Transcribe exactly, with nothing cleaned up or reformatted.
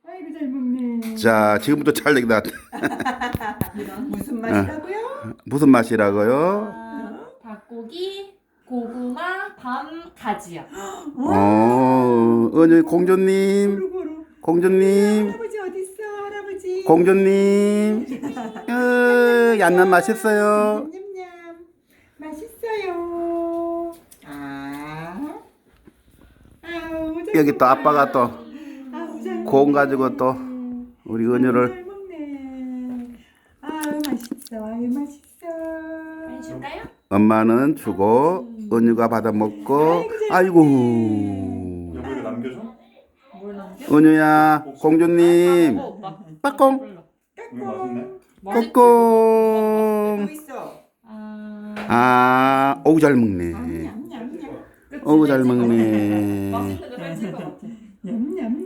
아이고 잘 먹네. 자, 지금부터 잘 되겠다. 무슨 맛이라고요? 무슨 맛이라고요? 아, 닭고기, 고구마, 밤, 가지요. 어, 은유 공주님, 고루고루. 공주님, 할아버지 어디 있어? 할아버지. 공주님. 어, 얌얌 맛있어요. 냠냠. 맛있어요. 아. 아우, 잘 여기 또 먹네. 아빠가 또 아우, 잘 공 먹네. 가지고 또 우리 은유를. 잘 먹네. 아유 맛있어. 아유 맛있어. 많이 줄까요? 엄마는 주고 은유가 받아 먹고. 아이고. 여보 이거 남겨줘? 뭘 남겨? 은유야, 공주님, 먹어, 오빠. 빠꽁, 불러. 이거 맛있네. 맛있지? 꼬꽁. 또 있어. 아, 아, 어우 잘 먹네. 냠냠냠냠. 그치, 어우 잘 찍어. 먹네. 맛있는 거잘 찍어 같아. 냠냠.